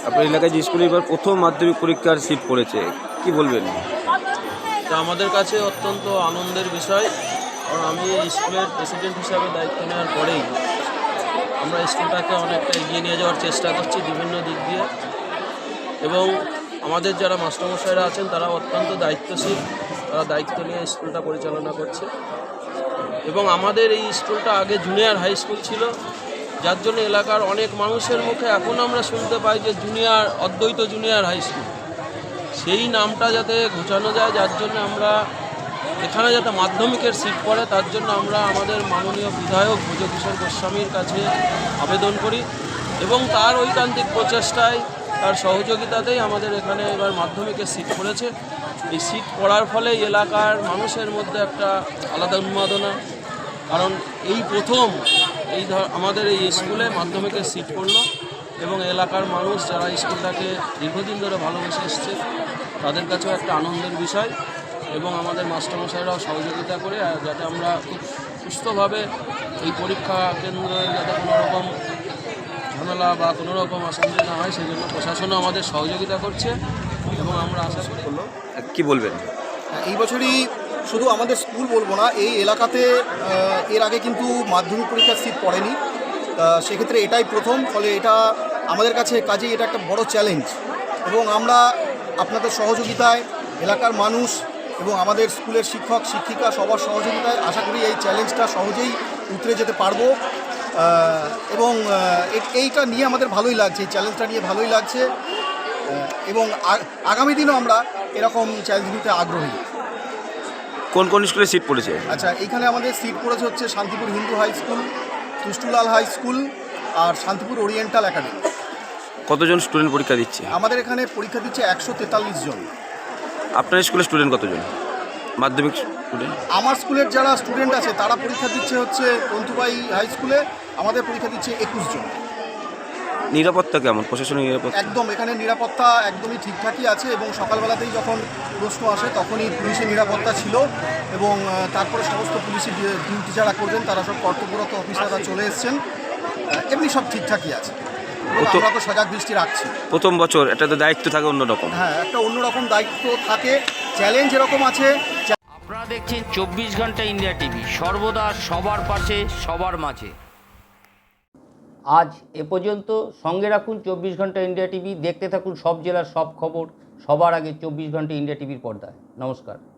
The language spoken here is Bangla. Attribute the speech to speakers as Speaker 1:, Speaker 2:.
Speaker 1: আপনার এলাকায় যে স্কুলে এবার প্রথম মাধ্যমিক পরীক্ষার সিট পড়েছে, কি বলবেন?
Speaker 2: তা আমাদের কাছে অত্যন্ত আনন্দের বিষয়, কারণ আমি স্কুলের প্রেসিডেন্ট হিসাবে দায়িত্ব নেওয়ার পরেই আমরা স্কুলটাকে অনেকটা এগিয়ে নিয়ে যাওয়ার চেষ্টা করছি বিভিন্ন দিক দিয়ে। এবং আমাদের যারা মাস্টারমশাইরা আছেন তারা অত্যন্ত দায়িত্বশীল, তারা দায়িত্ব নিয়ে স্কুলটা পরিচালনা করছে। এবং আমাদের এই স্কুলটা আগে জুনিয়র হাই স্কুল ছিল, যার জন্য এলাকার অনেক মানুষের মুখে এখন আমরা শুনতে পাই যে অদ্বৈত জুনিয়র হাই স্কুল। সেই নামটা যাতে ঘোচানো যায়, যার জন্য আমরা এখানে যাতে মাধ্যমিকের সিট পড়ে, তার জন্য আমরা আমাদের মাননীয় বিধায়ক ভুজকিশোর গোস্বামীর কাছে আবেদন করি এবং তার ঐকান্তিক প্রচেষ্টায়, তার সহযোগিতাতেই আমাদের এখানে এবার মাধ্যমিকের সিট পড়েছে। এই সিট পড়ার ফলে এলাকার মানুষের মধ্যে একটা আলাদা উন্মাদনা, কারণ এই প্রথম আমাদের এই স্কুলে মাধ্যমিকের সিট পড়ল এবং এলাকার মানুষ যারা স্কুলটাকে দীর্ঘদিন ধরে ভালোবেসে এসছে তাদের কাছেও একটা আনন্দের বিষয়। এবং আমাদের মাস্টারমশাইরাও সহযোগিতা করে যাতে আমরা খুব সুস্থভাবে এই পরীক্ষা কেন্দ্রে যাতে কোনো রকম ঝামেলা বা কোনো রকম অসুবিধা না হয়, সেই জন্য প্রশাসনও আমাদের সহযোগিতা করছে এবং আমরা আশা করি।
Speaker 1: কি বলবেন?
Speaker 3: এই বছরই শুধু আমাদের স্কুল বলবো না, এই এলাকাতে এর আগে কিন্তু মাধ্যমিক পরীক্ষার সিট পড়েনি, সেক্ষেত্রে এটাই প্রথম। ফলে এটা আমাদের কাছে কাজেই এটা একটা বড় চ্যালেঞ্জ এবং আমরা আপনাদের সহযোগিতায়, এলাকার মানুষ এবং আমাদের স্কুলের শিক্ষক শিক্ষিকা সবার সহযোগিতায় আশা করি এই চ্যালেঞ্জটা সহজেই উতরে যেতে পারবো। এবং এইটা নিয়ে আমাদের ভালোই লাগছে, এই চ্যালেঞ্জটা নিয়ে ভালোই লাগছে এবং আগামী দিনও আমরা এরকম চ্যালেঞ্জ নিতে আগ্রহী।
Speaker 1: কোন কোন স্কুলে সিট পড়েছে?
Speaker 3: আচ্ছা, এখানে আমাদের সিট পড়েছে হচ্ছে Shantipur Hindu high school, Tushtulal high school আর শান্তিপুর ওরিয়েন্টাল একাডেমি।
Speaker 1: কতজন স্টুডেন্ট পরীক্ষা দিচ্ছে?
Speaker 3: আমাদের এখানে পরীক্ষা দিচ্ছে 143 জন।
Speaker 1: আপনার স্কুলের স্টুডেন্ট কতজন মাধ্যমিক স্টুডেন্ট?
Speaker 3: আমার স্কুলের যারা স্টুডেন্ট আছে তারা পরীক্ষা দিচ্ছে হচ্ছে পন্তুবাই হাই স্কুলে, আমাদের পরীক্ষা দিচ্ছে 21 জন।
Speaker 1: নিরাপত্তা কেমন? প্রশাসনিক নিরাপত্তা?
Speaker 3: একদম, এখানে নিরাপত্তা একদমই ঠিকঠাকই আছে এবং সকালবেলাতেই যখন প্রশ্ন আসে তখনই পুলিশের নিরাপত্তা ছিল এবং তারপরে সমস্ত পুলিশের ডিউটি যারা করবেন তারা সব কর্তব্যরত অফিসাররা চলে এসছেন, এমনি সব ঠিকঠাকই আছে এবং আমরা তো সজাগ দৃষ্টি রাখছি।
Speaker 1: প্রথম বছর এটা তো দায়িত্ব থাকে অন্যরকম।
Speaker 3: হ্যাঁ, একটা অন্যরকম দায়িত্ব থাকে, চ্যালেঞ্জ এরকম আছে।
Speaker 4: আপনারা দেখছেন 24 ঘন্টা ইন্ডিয়া টিভি, সর্বদা সবার পাশে সবার মাঝে। আজ এ পর্যন্ত। সঙ্গে রাখুন 24 ঘন্টা ইন্ডিয়া টিভি, দেখতে থাকুন সব জেলার সব খবর সবার আগে 24 ঘন্টা ইন্ডিয়া টিভির পর্দায়। নমস্কার।